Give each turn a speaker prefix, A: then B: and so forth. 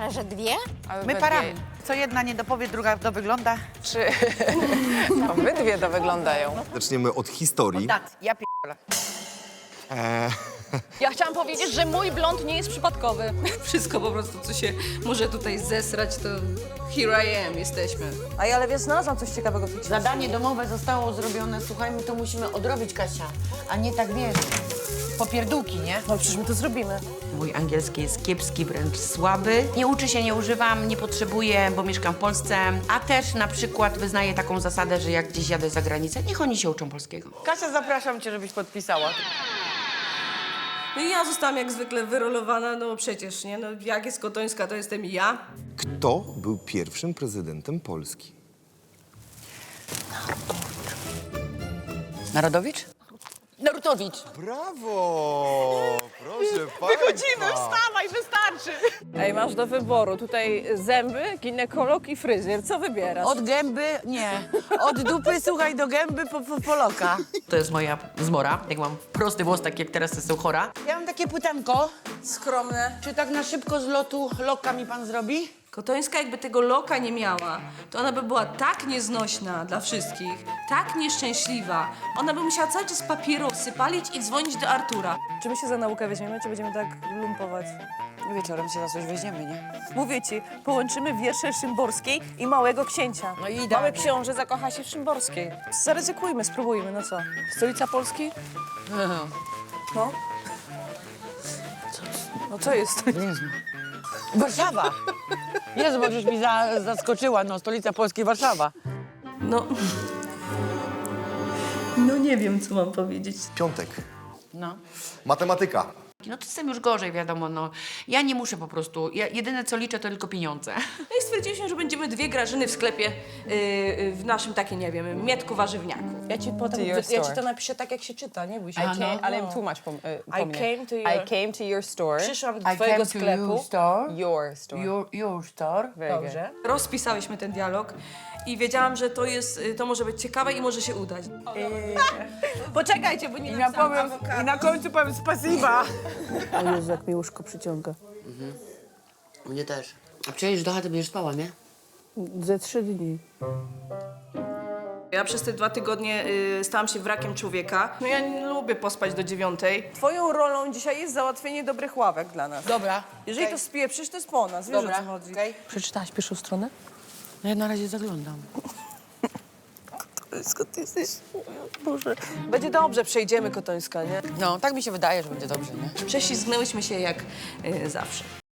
A: Ale że dwie?
B: My parami. Co jedna nie dopowie, druga dowygląda.
C: Czy obydwie to wyglądają?
D: Zaczniemy od historii.
B: Ja p***le.
E: Ja chciałam powiedzieć, że mój blond nie jest przypadkowy.
F: Wszystko po prostu, co się może tutaj zesrać, to here I am, jesteśmy.
E: Ale wiesz, znalazłam coś ciekawego w tej książce.
G: Zadanie domowe zostało zrobione, słuchaj, my to musimy odrobić, Kasia, a nie tak, wiesz, popierdółki, nie?
E: No przecież my to zrobimy.
G: Mój angielski jest kiepski, wręcz słaby. Nie uczę się, nie używam, nie potrzebuję, bo mieszkam w Polsce. A też na przykład wyznaję taką zasadę, że jak gdzieś jadę za granicę, niech oni się uczą polskiego.
B: Kasia, zapraszam cię, żebyś podpisała.
F: No i ja zostałam jak zwykle wyrolowana, no przecież, nie? No jak jest Kotońska, to jestem ja.
D: Kto był pierwszym prezydentem Polski?
G: Narodowicz? Narutowicz.
D: Brawo! Proszę Wychodzimy,
E: Wstawaj, wystarczy! Ej, masz do wyboru tutaj zęby, ginekolog i fryzjer. Co wybierasz?
G: Od gęby, nie. Od dupy, słuchaj, do gęby po loka. To jest moja zmora. Jak mam prosty włos, tak jak teraz jestem chora. Ja mam takie pytanko.
F: Skromne.
G: Czy tak na szybko z lotu loka mi pan zrobi?
F: Kotońska jakby tego loka nie miała, to ona by była tak nieznośna dla wszystkich, tak nieszczęśliwa. Ona by musiała cały czas papierosy palić i dzwonić do Artura.
E: Czy my się za naukę weźmiemy, czy będziemy tak lumpować?
G: Wieczorem się za coś weźmiemy, nie?
E: Mówię ci, połączymy wiersze Szymborskiej i Małego Księcia.
G: No i
E: Mały
G: idealnie.
E: książę zakocha się w Szymborskiej. Zaryzykujmy, spróbujmy, no co? Stolica Polski? No. No co jest?
G: Jezu. Warszawa! Jezu, możesz mi zaskoczyła, no, stolica Polski, Warszawa.
F: No. No nie wiem, co mam powiedzieć.
D: Piątek.
G: No.
D: Matematyka.
G: No to jestem już gorzej, wiadomo, no. Ja nie muszę po prostu, jedyne co liczę to tylko pieniądze.
F: No i stwierdziliśmy, że będziemy dwie Grażyny w sklepie, w naszym takim, nie wiem, mietku warzywniaku.
E: Ja ci potem,
C: To your
E: ja ci
C: store.
E: to napiszę tak, jak się czyta, nie bój się.
C: Ale im tłumacz po
E: I
C: mnie.
E: came to your-
C: I came to your store.
E: Przyszłam do twojego sklepu.
C: Your store.
G: Your store.
C: Very good.
E: Dobrze.
F: Rozpisałyśmy ten dialog i wiedziałam, że to może być ciekawe i może się udać.
E: Poczekajcie, bo nie
B: I na końcu powiem spasiba.
E: O Jezu, jak mi łóżko przyciąga.
G: Mnie też. A przecież do chaty będziesz spała, nie?
E: Ze 3 dni.
F: Ja przez te 2 tygodnie stałam się wrakiem człowieka. No ja nie lubię pospać do 9:00. Twoją rolą dzisiaj jest załatwienie dobrych ławek dla nas.
G: Dobra.
F: Jeżeli to spieprzysz, to jest po nas, wiesz o co chodzi.
G: okej.
E: Przeczytałaś pierwszą stronę?
G: No ja na razie zaglądam.
E: Kotońska, ty jesteś... Boże. Będzie dobrze, przejdziemy Kotońska, nie?
G: No, tak mi się wydaje, że będzie dobrze, nie?
F: Prześlizgnęłyśmy się jak zawsze.